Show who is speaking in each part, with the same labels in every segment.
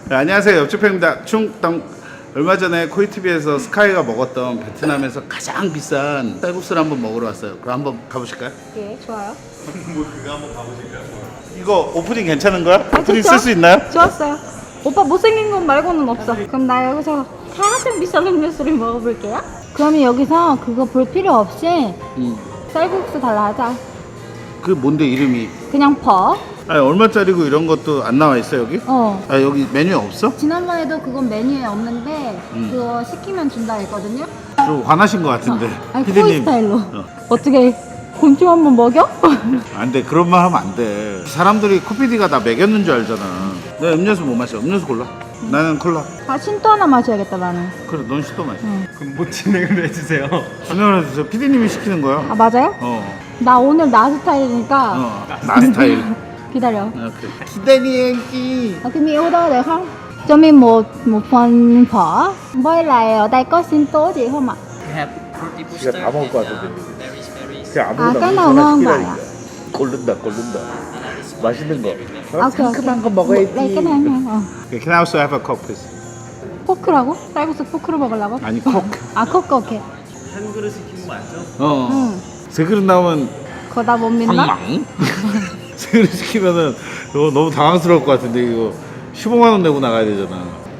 Speaker 1: 네, 안녕하세요. 옆집입니다. 충당. 얼마 전에 코이티비에서 스카이가 먹었던 베트남에서 가장 비싼 쌀국수를 한번 먹으러 왔어요. 그럼 한번 가보실까요?
Speaker 2: 예, 좋아요.
Speaker 1: 뭐 그거 한번 가보실까요? 이거 오프닝 괜찮은 거야? 오프닝
Speaker 2: 좋죠?
Speaker 1: 쓸 수 있나요?
Speaker 2: 좋았어요. 오빠 못생긴 건 말고는 없어. 그럼 나 여기서 가장 비싼 음료수를 먹어볼게요. 그러면 여기서 그거 볼 필요 없이 쌀국수 달라 하자.
Speaker 1: 그 뭔데 이름이?
Speaker 2: 그냥 퍼.
Speaker 1: 아니 얼마짜리고 이런 것도 안 나와 있어 여기? 아 여기 메뉴 없어?
Speaker 2: 지난번에도 그건 메뉴에 없는데 그거 시키면 준다 했거든요.
Speaker 1: 좀 화나신 것 같은데.
Speaker 2: 아니 코이 스타일로. 어떻게 곤충 한번 먹여?
Speaker 1: 안 돼. 그런 말 하면 안 돼. 사람들이 코피디가 나 먹였는 줄 알잖아. 내 음료수 못 마셔. 음료수 골라. 나는 콜라.
Speaker 2: 아 신또 하나 마셔야겠다 나는.
Speaker 1: 그래 넌 시도 마셔.
Speaker 3: 그럼 뭐 진행을 해주세요.
Speaker 1: 진행을 해주세요. 피디님이 시키는 거야.
Speaker 2: 아 맞아요? 나 오늘 나 스타일이니까
Speaker 1: 나 스타일.
Speaker 2: 기다려.
Speaker 1: 오케이. 기다리기.
Speaker 2: Cái mi ô đó được không? Cho mi một phần phở với lại ở đây có sinh tố gì không ạ?
Speaker 1: 지가 다 먹을 것 같은데. 그냥
Speaker 2: 아, cái nào ngon vậy ạ?
Speaker 1: 고른다. 맛있는 거.
Speaker 2: 아, 상큼한 거 먹어야지. cái này ngon.
Speaker 1: Can I also have a coke, please?
Speaker 2: 포크라고? 쌀국수 포크로 먹으려고?
Speaker 1: 아니 코크.
Speaker 2: 아, 코크 오케이.
Speaker 3: 한 그릇 시킨 거 맞죠?
Speaker 2: 응.
Speaker 1: 세 그릇 나오면
Speaker 2: 그거 나 못 믿나?
Speaker 1: 황망. 세 그릇 시키면은 이거 너무 당황스러울 것 같은데 이거 15만 원 내고 나가야 되잖아.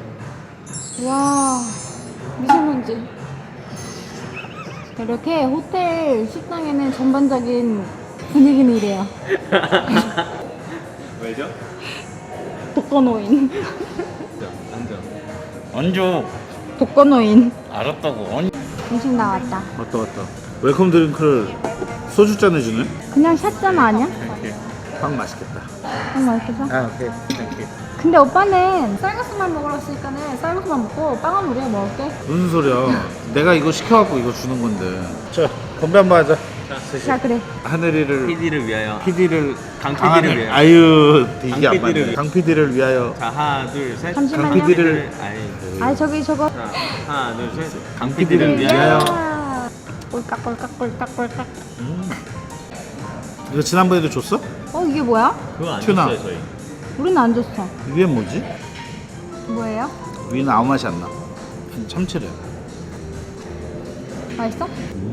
Speaker 2: 와, 미세먼지. 이렇게 호텔 식당에는 전반적인 분위기는 이래요.
Speaker 3: 왜죠?
Speaker 2: 독거노인.
Speaker 1: 앉아.
Speaker 2: 독거노인.
Speaker 1: 알았다고.
Speaker 2: 음식 나왔다.
Speaker 1: 맞다. 웰컴 드링크를 소주잔에 주네.
Speaker 2: 그냥 샷잔 아니야?
Speaker 1: 빵 맛있겠다.
Speaker 2: 맛있겠어?
Speaker 1: 아 오케이. 땡큐.
Speaker 2: 근데 오빠는 쌀국수만 먹으러 왔으니까는 쌀국수만 먹고 빵은 우리가 먹을게.
Speaker 1: 무슨 소리야? 내가 이거 시켜갖고 이거 주는 건데. 자 건배 한번 하자.
Speaker 2: 자 그래.
Speaker 1: 하늘이를
Speaker 3: PD를 위하여.
Speaker 1: PD를
Speaker 3: 강 PD를 위하여.
Speaker 1: 아유 이게 안
Speaker 3: 강 PD를
Speaker 1: 맞네.
Speaker 3: 위하여.
Speaker 1: 강 PD를 위하여.
Speaker 3: 자 하나 둘 셋.
Speaker 2: 잠시만요.
Speaker 1: 강 PD를
Speaker 3: 아니.
Speaker 2: 아니 저기 저거.
Speaker 3: 자 하나 둘 셋. 강
Speaker 1: PD를
Speaker 3: PD를 위하여.
Speaker 2: 꼴깍꼴깍꼴깍꼴깍.
Speaker 1: 이거 지난번에도 줬어?
Speaker 2: 이게 뭐야?
Speaker 3: 그거 안
Speaker 1: 튜나.
Speaker 3: 줬어요 저희.
Speaker 2: 우리는 안 줬어.
Speaker 1: 위엔 뭐지?
Speaker 2: 뭐예요?
Speaker 1: 위는 아무 맛이 안 나. 참치래.
Speaker 2: 맛있어?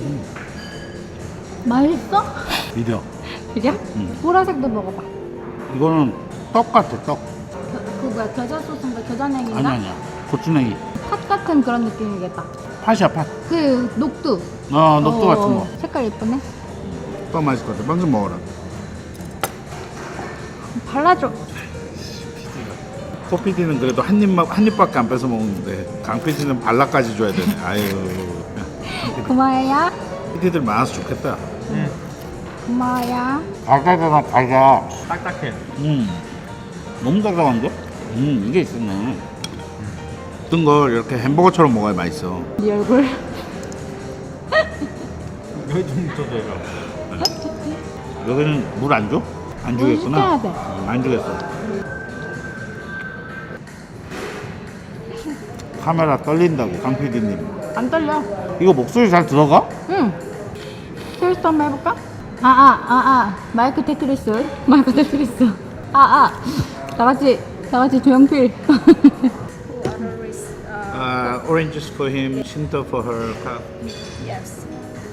Speaker 2: 맛있어?
Speaker 1: 믿어.
Speaker 2: 그래? 보라색도 먹어봐.
Speaker 1: 이거는 떡 같아 떡.
Speaker 2: 그 뭐야 겨자 소스인가 겨자냉이인가?
Speaker 1: 아니야. 고추냉이.
Speaker 2: 팥 같은 그런 느낌이겠다.
Speaker 1: 팥이야 팥.
Speaker 2: 그 녹두.
Speaker 1: 녹두 같은 거.
Speaker 2: 색깔 예쁘네.
Speaker 1: 빵 맛있을 것 같아. 빵 좀 먹어라.
Speaker 2: 발라줘.
Speaker 1: 코피디는 그래도 한 입밖에 안 뺏어 먹는데 강피디는 발라까지 줘야 되네. 아유.
Speaker 2: 고마워요.
Speaker 1: 피디들 많아서 좋겠다.
Speaker 2: 고마워요.
Speaker 1: 달달하다.
Speaker 3: 딱딱해.
Speaker 1: 너무 달달한데? 이게 있었네. 어떤 걸 이렇게 햄버거처럼 먹어야 맛있어.
Speaker 2: 네 얼굴.
Speaker 3: 여기 좀 묻혀줘요.
Speaker 1: 여기는 물 안 줘? 안 주겠구나.
Speaker 2: 시켜야 돼.
Speaker 1: 안 주겠어. 카메라 떨린다고 강 PD님.
Speaker 2: 안 떨려.
Speaker 1: 이거 목소리 잘 들어가?
Speaker 2: 응. 테스트 한번 해볼까? 마이크 테트리스. 마이크 테트리스. 다 같이 조용필.
Speaker 1: Oranges for him, Shinto for her.
Speaker 2: Yes.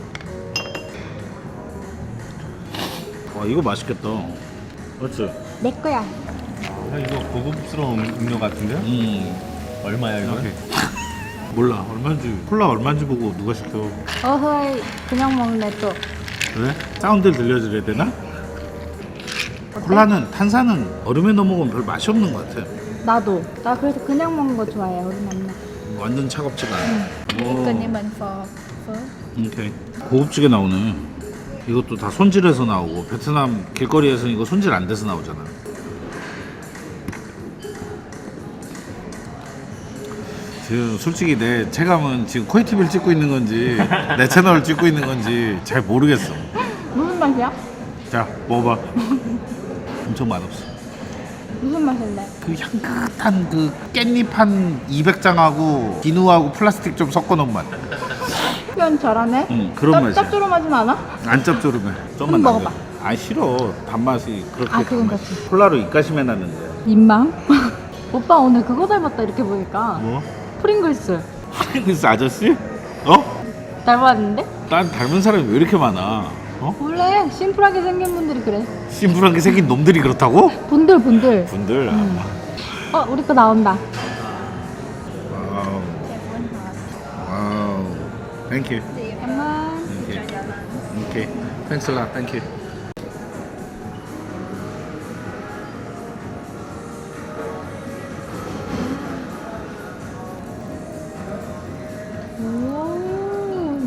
Speaker 1: 와 이거 맛있겠다. 그렇지?
Speaker 2: 내 거야.
Speaker 3: 이거 고급스러운 음료 같은데요? 얼마야 이거?
Speaker 1: 몰라 얼마인지 콜라 얼마인지 보고 누가 시켜.
Speaker 2: 어허이 그냥 먹네 또.
Speaker 1: 그래? 사운드를 들려드려야 되나? 콜라는 탄산은 얼음에 넣어 먹으면 별 맛이 없는 것 같아.
Speaker 2: 나도. 나 그래서 그냥 먹는 거 좋아해. 우리 남나.
Speaker 1: 완전 차갑지가 않아.
Speaker 2: 그니만 퍼.
Speaker 1: 오케이. 고급지게 나오네. 이것도 다 손질해서 나오고 베트남 길거리에서는 이거 손질 안 돼서 나오잖아. 지금 솔직히 내 체감은 지금 코이티비를 찍고 있는 건지 내 채널을 찍고 있는 건지 잘 모르겠어.
Speaker 2: 무슨 맛이야?
Speaker 1: 자 먹어봐. 엄청 맛없어.
Speaker 2: 무슨 맛인데?
Speaker 1: 그 향긋한 그 깻잎 한 200장하고 비누하고 플라스틱 좀 섞어 놓은 맛.
Speaker 2: 표현 잘하네.
Speaker 1: 응, 그런 맛이야.
Speaker 2: 짭조름하진 않아?
Speaker 1: 안 짭조름해. 좀만
Speaker 2: 한번 먹어봐.
Speaker 1: 아 싫어. 단맛이 그렇게.
Speaker 2: 아, 그건
Speaker 1: 단맛이.
Speaker 2: 그렇지.
Speaker 1: 콜라로 입가심 해놨는데.
Speaker 2: 민망? 오빠 오늘 그거 닮았다 이렇게 보니까.
Speaker 3: 뭐?
Speaker 2: 프링글스
Speaker 3: 프링글스 아저씨? 어?
Speaker 2: 닮았는데?
Speaker 3: 난 닮은 사람이 왜 이렇게 많아? 어?
Speaker 2: 원래 심플하게 생긴 분들이 그래.
Speaker 3: 심플한 게 생긴 놈들이 그렇다고?
Speaker 2: 분들.
Speaker 3: 분들.
Speaker 2: 우리 거 나온다.
Speaker 3: 와우. 와우. 땡큐.
Speaker 2: 잠깐만.
Speaker 3: 오케이. Thanks a lot. Thank you.
Speaker 2: 오.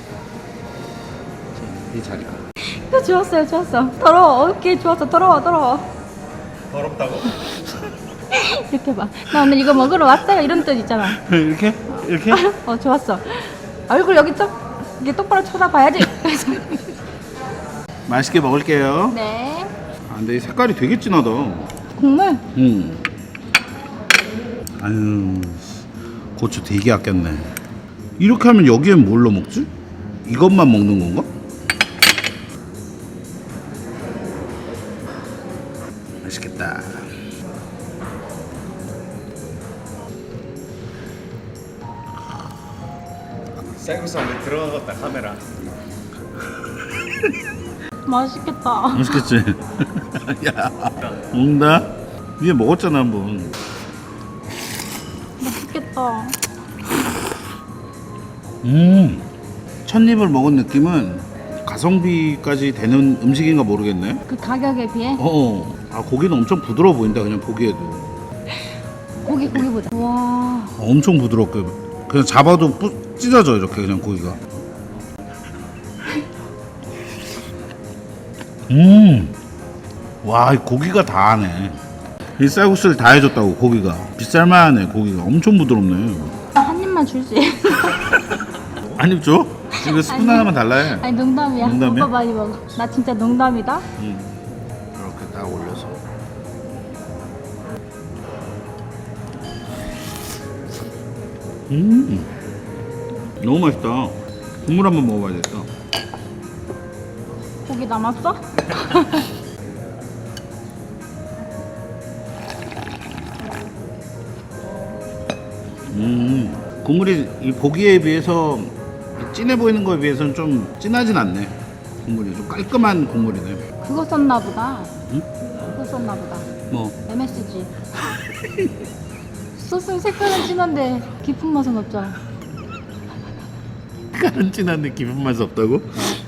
Speaker 1: 이 자리가.
Speaker 2: 이거 좋았어요. 더러워. 오케이, 좋았어. 더러워.
Speaker 3: 더럽다고?
Speaker 2: 이렇게 봐. 나 오늘 이거 먹으러 왔어요. 이런 뜻 있잖아.
Speaker 1: 이렇게? 이렇게?
Speaker 2: 좋았어. 얼굴 여기 좀 이게 똑바로 쳐다봐야지.
Speaker 1: 맛있게 먹을게요.
Speaker 2: 네.
Speaker 1: 아, 근데 이 색깔이 되게 진하다.
Speaker 2: 국물.
Speaker 1: 아유, 고추 되게 아꼈네. 이렇게 하면 여기엔 뭘로 먹지? 이것만 먹는 건가? 맛있겠다.
Speaker 3: 쌀국수 안에 들어가겠다 카메라.
Speaker 2: 맛있겠다.
Speaker 1: 맛있겠지? 야, 먹는다? 위에 먹었잖아 한번.
Speaker 2: 맛있겠다.
Speaker 1: 첫 입을 먹은 느낌은 가성비까지 되는 음식인가 모르겠네.
Speaker 2: 그 가격에 비해
Speaker 1: 아, 고기는 엄청 부드러워 보인다 그냥 보기에도.
Speaker 2: 고기 보자. 와.
Speaker 1: 엄청 부드럽게 그냥 잡아도 찢어져 이렇게 그냥 고기가. 와, 이 고기가 다 하네. 이 쌀국수를 다 해줬다고. 고기가 비쌀만하네. 고기가 엄청 부드럽네.
Speaker 2: 한 입만 줄 수 있어.
Speaker 1: 아니 줘? 이거 스푼
Speaker 2: 아니.
Speaker 1: 하나만 달라해.
Speaker 2: 아니 농담이야.
Speaker 1: 농담이야?
Speaker 2: 오빠 많이 먹어. 나 진짜 농담이다.
Speaker 1: 이렇게 딱 올려서. 너무 맛있다. 국물 한번 먹어봐야겠다.
Speaker 2: 고기 남았어?
Speaker 1: 국물이 이 고기에 비해서 진해 보이는 거에 비해서는 좀 진하진 않네. 국물이 좀 깔끔한 국물이네.
Speaker 2: 그거 썼나 보다.
Speaker 1: 응?
Speaker 2: 그거 썼나 보다.
Speaker 1: 뭐
Speaker 2: MSG. 소스 색깔은 진한데 깊은 맛은 없잖아.
Speaker 1: 깔은 진한데 깊은 맛이 없다고?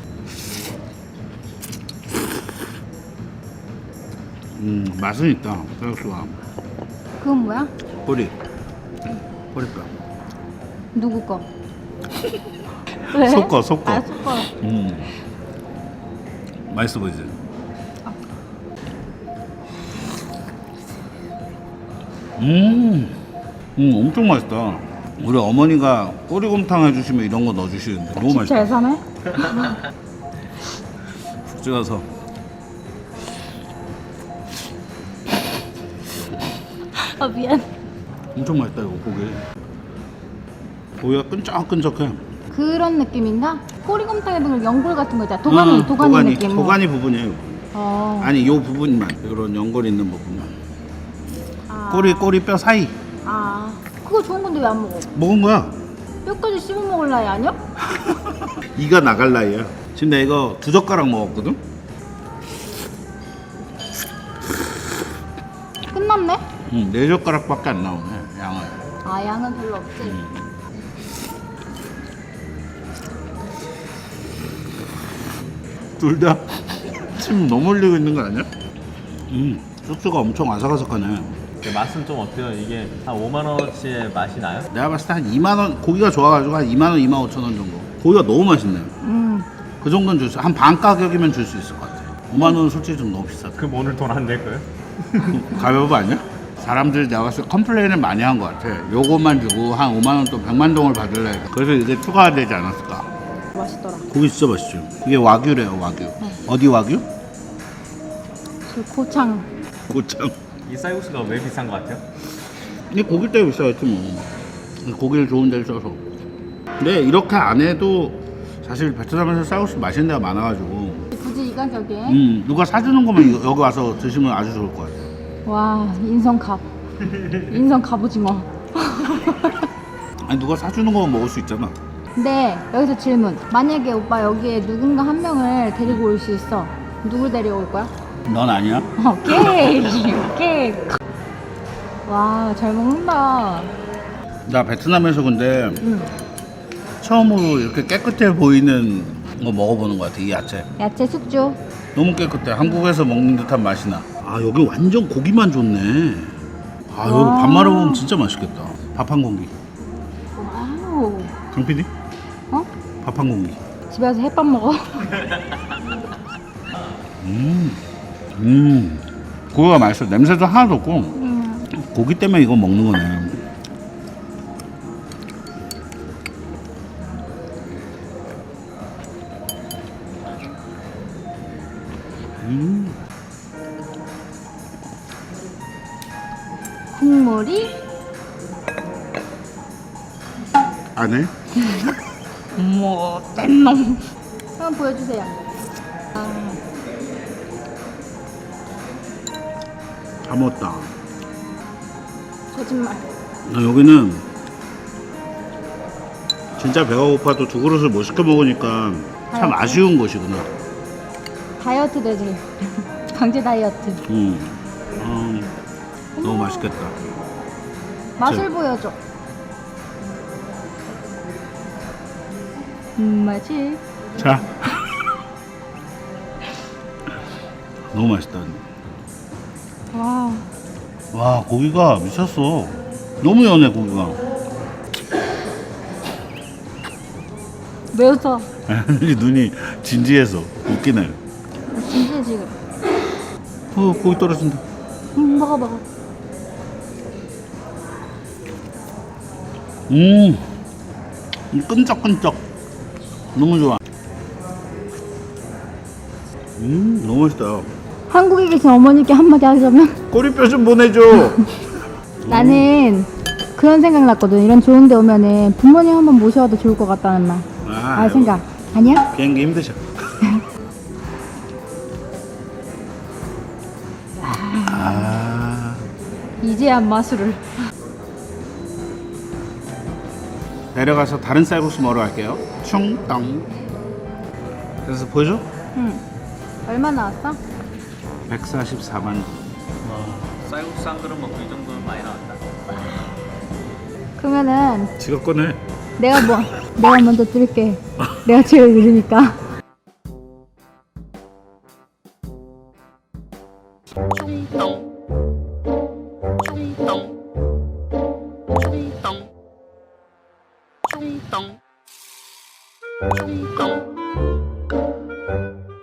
Speaker 1: 맛은 있다. 쌀국수가.
Speaker 2: 그건 뭐야?
Speaker 1: 보리뼈.
Speaker 2: 누구 거? 왜?
Speaker 1: 속거.
Speaker 2: 아, 속거.
Speaker 1: 맛있어 보이지? 엄청 맛있다. 우리 어머니가 꼬리곰탕 해주시면 이런 거 넣어주시는데 너무
Speaker 2: 집
Speaker 1: 맛있다.
Speaker 2: 잘 사네?
Speaker 1: 푹 찍어서.
Speaker 2: 미안.
Speaker 1: 엄청 맛있다 이거 고기. 고기가 끈적끈적해.
Speaker 2: 그런 느낌인가? 꼬리곰탕에도 그 연골 같은 거 있잖아. 도가니 느낌.
Speaker 1: 도가니 부분이에요.
Speaker 2: 어.
Speaker 1: 아니 요 부분만, 이런 연골 있는 부분만.
Speaker 2: 아.
Speaker 1: 꼬리뼈 사이.
Speaker 2: 아. 그거 좋은 건데 왜 안 먹어?
Speaker 1: 먹은 거야.
Speaker 2: 뼈까지 씹어 먹을 나이 아니야?
Speaker 1: 이가 나갈 나이야. 지금 내가 이거 2젓가락 먹었거든.
Speaker 2: 끝났네?
Speaker 1: 4젓가락밖에 안 나오네 양을.
Speaker 2: 아, 양은 별로 없지.
Speaker 1: 둘 다 침 너무 흘리고 있는 거 아니야? 소스가 엄청 아삭아삭하네.
Speaker 3: 맛은 좀 어때요? 이게 한 5만 원어치의 맛이 나요?
Speaker 1: 내가 봤을 때 한 2만 원, 고기가 좋아가지고 한 2만 원, 2만 5천 원 정도. 고기가 너무 맛있네. 그 정도는 줄 수, 한 반 가격이면 줄 수 있을 것 같아. 5만 원은 솔직히 좀 너무 비싸다.
Speaker 3: 그럼 오늘 돈 안 낼 거예요?
Speaker 1: 가볍고 아니야? 사람들이 내가 봤을 때 컴플레인을 많이 한 것 같아. 요것만 주고 한 5만 원 또 100만 동을 받을래. 그래서 이게 추가되지 않았을까.
Speaker 2: 맛있더라.
Speaker 1: 고기 진짜 맛있죠. 이게 와규래요, 와규. 어디 와규?
Speaker 2: 그 고창.
Speaker 1: 고창.
Speaker 3: 이 쌀국수가 왜 비싼 것 같아요?
Speaker 1: 이 고기 때문에 비싸겠지 뭐. 고기를 좋은 데를 써서. 근데 이렇게 안 해도 사실 베트남에서 쌀국수 맛있는 데가 많아가지고
Speaker 2: 굳이 이 가격에?
Speaker 1: 누가 사주는 거면 여기 와서 드시면 아주 좋을 것 같아요.
Speaker 2: 와, 인성값. 인성 갑오징어.
Speaker 1: 아니 누가 사주는 거 먹을 수 있잖아.
Speaker 2: 근데 여기서 질문. 만약에 오빠 여기에 누군가 한 명을 데리고 올 수 있어. 누굴 데려올 거야?
Speaker 1: 넌 아니야?
Speaker 2: 오케이. 오케이. 와, 잘 먹는다.
Speaker 1: 나 베트남에서 근데
Speaker 2: 응.
Speaker 1: 처음으로 이렇게 깨끗해 보이는 거 먹어보는 것 같아. 이 야채
Speaker 2: 야채 숙주.
Speaker 1: 너무 깨끗해. 한국에서 먹는 듯한 맛이 나. 아 여기 완전 고기만 좋네. 아 여기
Speaker 2: 와.
Speaker 1: 밥 말아 먹으면 진짜 맛있겠다. 밥 한 공기.
Speaker 2: 와우.
Speaker 1: 강 PD?
Speaker 2: 어?
Speaker 1: 밥 한 공기.
Speaker 2: 집에 와서 햇밥 먹어.
Speaker 1: 고기가 맛있어. 냄새도 하나도 없고 고기 때문에 이거 먹는 거네.
Speaker 2: 국물이
Speaker 1: 안 해?
Speaker 2: 뭐 뗀놈. 한번 보여주세요.
Speaker 1: 다 먹었다.
Speaker 2: 거짓말.
Speaker 1: 여기는 진짜 배가 고파도 두 그릇을 못 시켜 먹으니까 참 아쉬운 곳이구나.
Speaker 2: 다이어트 되지. 강제 다이어트.
Speaker 1: 너무 맛있겠다.
Speaker 2: 맛을 보여줘. 맛이.
Speaker 1: 자. 너무 맛있다.
Speaker 2: 와.
Speaker 1: 와 고기가 미쳤어. 너무 연해 고기가.
Speaker 2: 왜 웃어?
Speaker 1: 눈이 진지해서 웃기네.
Speaker 2: 진짜 지금.
Speaker 1: 고기 떨어진다.
Speaker 2: 먹어 먹어.
Speaker 1: 끈적끈적. 너무 좋아. 너무 맛있다.
Speaker 2: 한국에 계신 어머니께 한마디 하자면
Speaker 1: 꼬리뼈 좀 보내줘.
Speaker 2: 나는 그런 생각 났거든. 이런 좋은 데 오면은 부모님 한번 모셔와도 좋을 것 같다는 말. 아 생각. 아니야?
Speaker 1: 비행기 힘드셔.
Speaker 2: 이제야 마술을.
Speaker 1: 내려가서 다른 쌀국수 먹으러 갈게요. 충땅. 그래서 보여줘?
Speaker 2: 응. 얼마 나왔어?
Speaker 1: 144만 원.
Speaker 3: 쌀국수 한 그릇 먹고 이 정도면 많이 나왔다.
Speaker 2: 그러면은
Speaker 1: 지갑 꺼내.
Speaker 2: 내가 먼저 들게. 내가 제일 느리니까.
Speaker 1: 충땅. 충땅. 충땅. 충땅. 충땅.